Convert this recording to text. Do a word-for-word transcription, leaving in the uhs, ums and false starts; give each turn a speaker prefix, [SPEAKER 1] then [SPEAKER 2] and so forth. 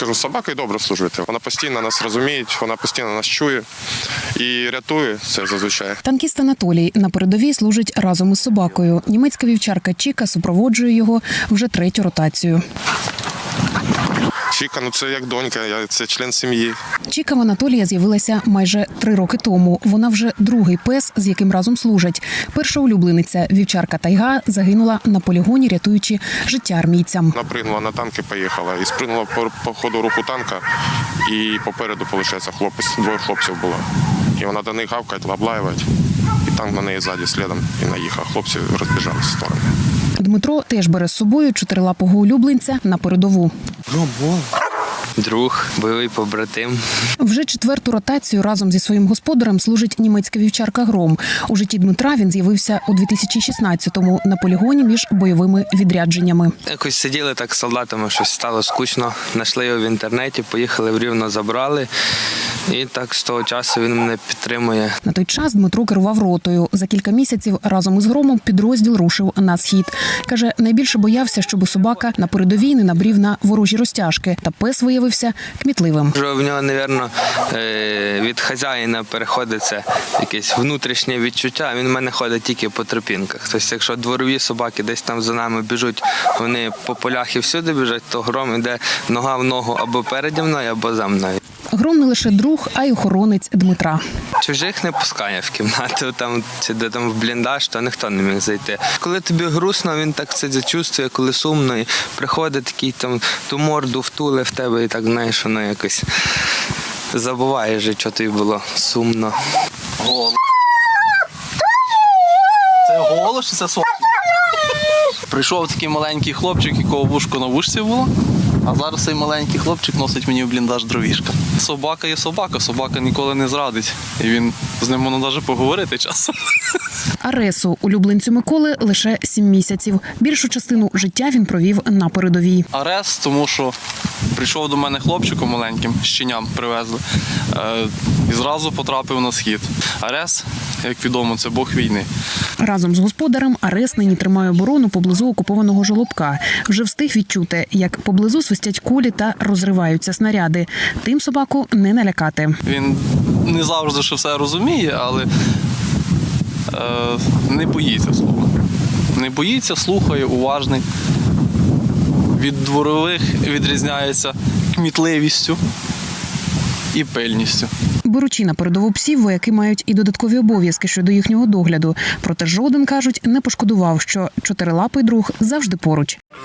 [SPEAKER 1] кажу, з собакою добре служити. Вона постійно нас розуміє, вона постійно нас чує і рятує це зазвичай.
[SPEAKER 2] Танкіст Анатолій на передовій служить разом із собакою. Німецька вівчарка Чіка супроводжує його вже третю ротацію.
[SPEAKER 1] Чіка, ну це як донька, це член сім'ї.
[SPEAKER 2] Чіка в Анатолія з'явилася майже три роки тому. Вона вже другий пес, з яким разом служать. Перша улюблениця, вівчарка Тайга, загинула на полігоні, рятуючи життя армійцям.
[SPEAKER 1] Напригнула на танк і поїхала. І спригнула по, по ходу руху танка. І попереду, виходить, хлопець, двоє хлопців було. І вона до них гавкає, облаювати. І танк на неї ззаді слідом і наїхав. Хлопці розбіжалися в сторони.
[SPEAKER 2] Дмитро теж бере з собою чотирилапого улюбленця на передову.
[SPEAKER 3] Друг, бойовий побратим.
[SPEAKER 2] Вже четверту ротацію разом зі своїм господарем служить німецька вівчарка Гром. У житті Дмитра він з'явився у дві тисячі шістнадцятому на полігоні між бойовими відрядженнями.
[SPEAKER 3] Якось сиділи так з солдатами, щось стало скучно. Знайшли його в інтернеті, поїхали в Рівно, забрали. І так з того часу він мене підтримує.
[SPEAKER 2] На той час Дмитро керував ротою. За кілька місяців разом із Громом підрозділ рушив на схід. Каже, найбільше боявся, щоб собака на передовій не набрів на ворожі розтяжки. Та пес виявився кмітливим.
[SPEAKER 3] Вже в нього, мабуть, від хазяїна переходиться якесь внутрішнє відчуття. Він в мене ходить тільки по тропінках. Тобто, якщо дворові собаки десь там за нами біжуть, вони по полях і всюди біжать, то Гром йде нога в ногу або переді мною, або за мною.
[SPEAKER 2] Гром не лише друг, а й охоронець Дмитра.
[SPEAKER 3] Чужих не пускає в кімнату, там, чи де там в бліндаж, то ніхто не міг зайти. Коли тобі грустно, він так це зачувствує, коли сумно, і приходить такий там ту морду втуле в тебе, і так, знаєш, воно якось забуваєш, що тобі було сумно.
[SPEAKER 4] Голос. Це голос чи це сон? Прийшов такий маленький хлопчик, якого вушко на вушці було. А зараз цей маленький хлопчик носить мені в бліндаж дровішка. Собака є собака, собака ніколи не зрадить. І він з ним можна навіть поговорити часом.
[SPEAKER 2] Аресу, улюбленцю Миколи, лише сім місяців. Більшу частину життя він провів на передовій.
[SPEAKER 4] Арес, тому що прийшов до мене хлопчиком маленьким, щеням привезли, і зразу потрапив на схід. Арес, як відомо, це бог війни.
[SPEAKER 2] Разом з господарем Арес нині тримає оборону поблизу окупованого Жолобка. Вже встиг відчути, як поблизу свистять кулі та розриваються снаряди. Тим собаку не налякати.
[SPEAKER 4] Він не завжди ще все розуміє, але е, не боїться слова. Не боїться, слухає, уважний. Від дворових відрізняється кмітливістю і пильністю.
[SPEAKER 2] Беручи на передову псів, вояки мають і додаткові обов'язки щодо їхнього догляду. Проте жоден, кажуть, не пошкодував, що чотирилапий друг завжди поруч.